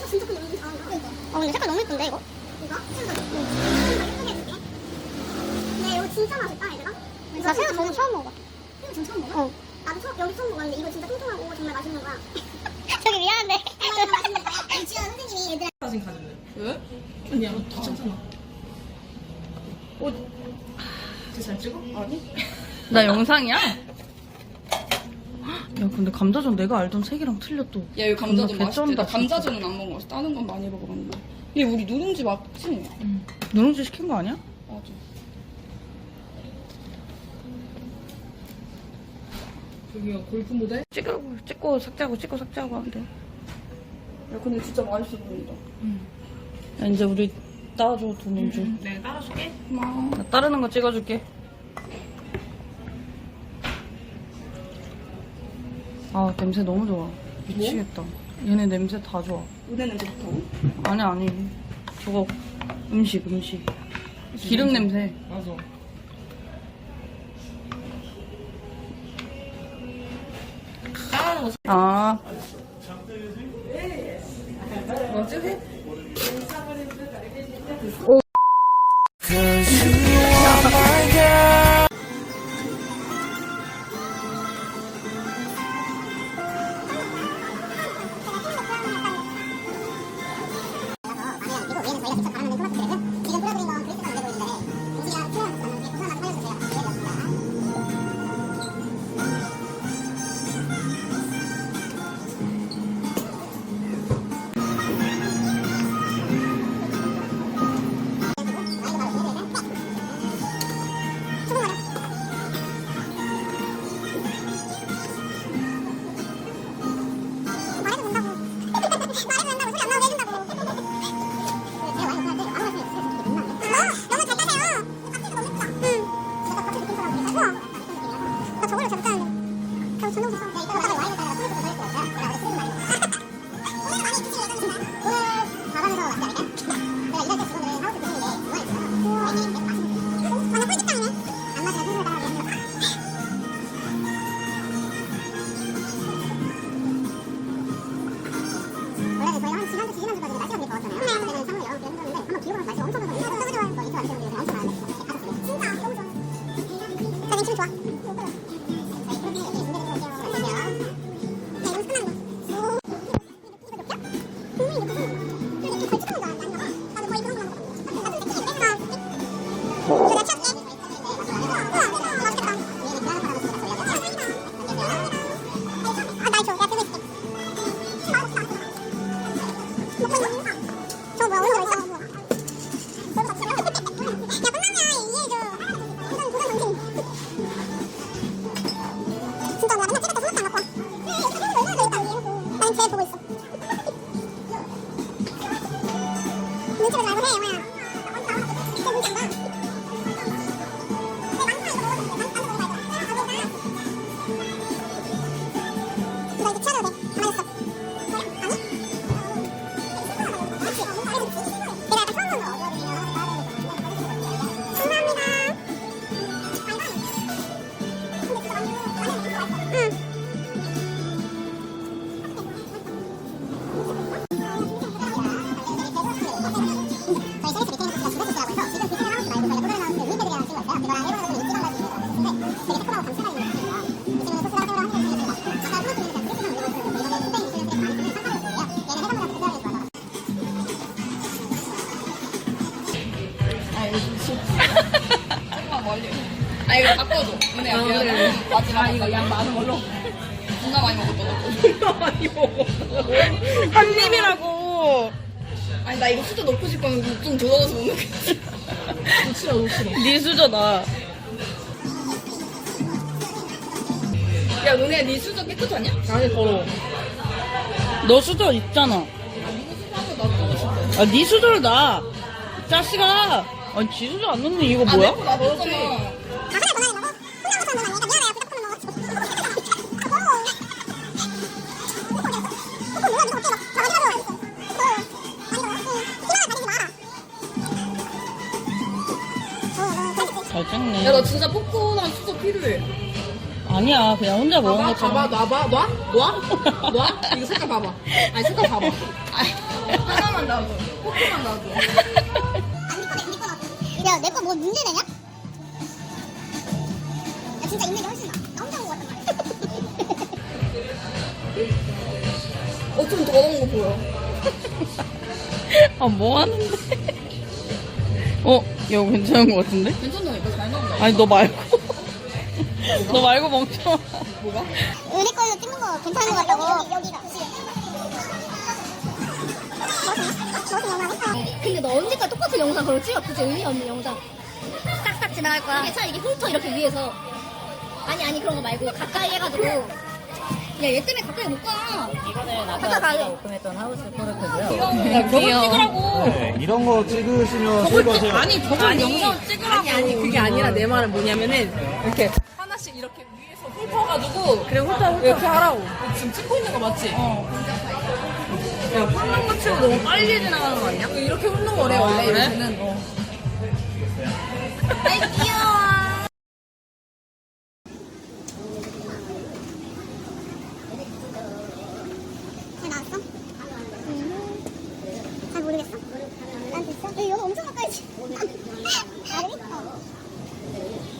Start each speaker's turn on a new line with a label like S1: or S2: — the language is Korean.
S1: 진짜 근데 너무 잘한다. 근데 색깔 너무 예쁜데 이거? 이거? 예쁘게 해줄게. 근데 이거 진짜 맛있다 얘들아. 나 새우 저는 처음 먹어. 새우 전 처음 먹어? 나도 여기 처음 먹었는데 이거 진짜 통통하고 정말 맛있는 거야. 저기 미안한데. 이거 맛있는 거야. 지연 선생님이 얘들아.
S2: 사진 가질래?
S3: 왜?
S2: 아니야, 괜찮잖아. 잘 찍어? 아니?
S3: 나 영상이야? 야 근데 감자전 내가 알던 색이랑 틀려 또.
S4: 야, 이거 감자전
S3: 존나
S4: 맛있지?
S3: 개쩐다,
S4: 나 감자전은 안 먹어봤어. 다른 건 많이 먹어봤는데. 얘 우리 누룽지 맞지?
S3: 누룽지 시킨 거 아니야?
S4: 맞아.
S2: 저기요, 골프 모델?
S3: 찍고 삭제하고 하면 돼.
S4: 야, 근데 진짜 맛있어 보인다.
S3: 야, 이제 우리 따라줘 누룽지.
S2: 내가 따라줄게.
S4: 고마워.
S3: 나 따르는 거 찍어줄게. 아 냄새 너무 좋아. 미치겠다. 얘네 냄새 다 좋아.
S4: 은혜 냄새 좋다고?
S3: 아니 저거 음식 기름 냄새.
S2: 맞아.
S3: 아
S2: 뭐지?
S4: 조금만 멀리. 아, 이거 바꿔줘. 은혜야, 미안해. 마지막 이거 양 많은 걸로. 존나 많이 먹었다.
S3: 한 입이라고.
S4: 아니, 나 이거 수저 넣고 싶으면 좀 더러워서 못 먹겠지.
S3: 네 수저다.
S4: 야, 은혜야, 네 수저 깨끗하냐?
S2: 아니, 더러워.
S3: 너 수저 있잖아. 아, 네 수저를 놔. 자식아. 아니, 지 수저 안 넣는 이거 뭐야?
S4: 나 넣었잖아.
S3: 잘 찍네.
S4: 야, 나 진짜 포크랑 수저 필요해.
S3: 아, 아니야, 그냥 혼자 먹은
S4: 봐봐,
S3: 것처럼.
S4: 봐봐, 놔봐. 이거 색깔 봐봐. 아니, 색깔 봐봐. 하나만 놔줘. 포크만 놔줘.
S1: 야, 내 거 뭐 문제 내냐? 야, 진짜 있는 게 훨씬 나아. 나 혼자 먹은 거 같단 말이야.
S4: 좀 더러운 거 보여.
S3: 아, 뭐 하는데? 야, 괜찮은 것 같은데?
S4: 괜찮다니까, 잘 나온다.
S3: 아니, 너 말고. 너 말고 멍청아.
S4: 뭐가?
S1: 우리 걸로 찍는 거 괜찮은 거 같다고. 여기가. 근데 너 언제까지 똑같은 영상 그걸 찍어? 그치? 의미 없는 영상. 싹싹 지나갈 거야. 이게 차라리 이게 훑어 이렇게 위에서. 아니 그런 거 말고 가까이 해가지고. 야, 얘 때문에 가까이 못 가.
S5: 이거는
S1: 가자,
S5: 아까
S1: 가자.
S5: 제가 오픈했던 하우스 코르크고요.
S3: 저걸 찍으라고.
S6: 네, 이런 거 찍으시면 설거지.
S3: 아니, 저걸 영상 찍으라고.
S4: 아니, 그게 아니라 내 말은 뭐냐면은, 이렇게 하나씩 이렇게 위에서 훑어가지고, 그래, 훑어. 이렇게 하라고. 지금 찍고 있는 거 맞지?
S3: 야, 훑는 거 치고 너무 빨리 지나가는 거 아니야?
S4: 이렇게 훑는 거래, 원래.
S3: 그래?
S4: 이렇게는.
S1: 아이, 귀여워. 잘 나왔어? 잘 모르겠어? 난 됐어? 여기 엄청 가까이지? 나를?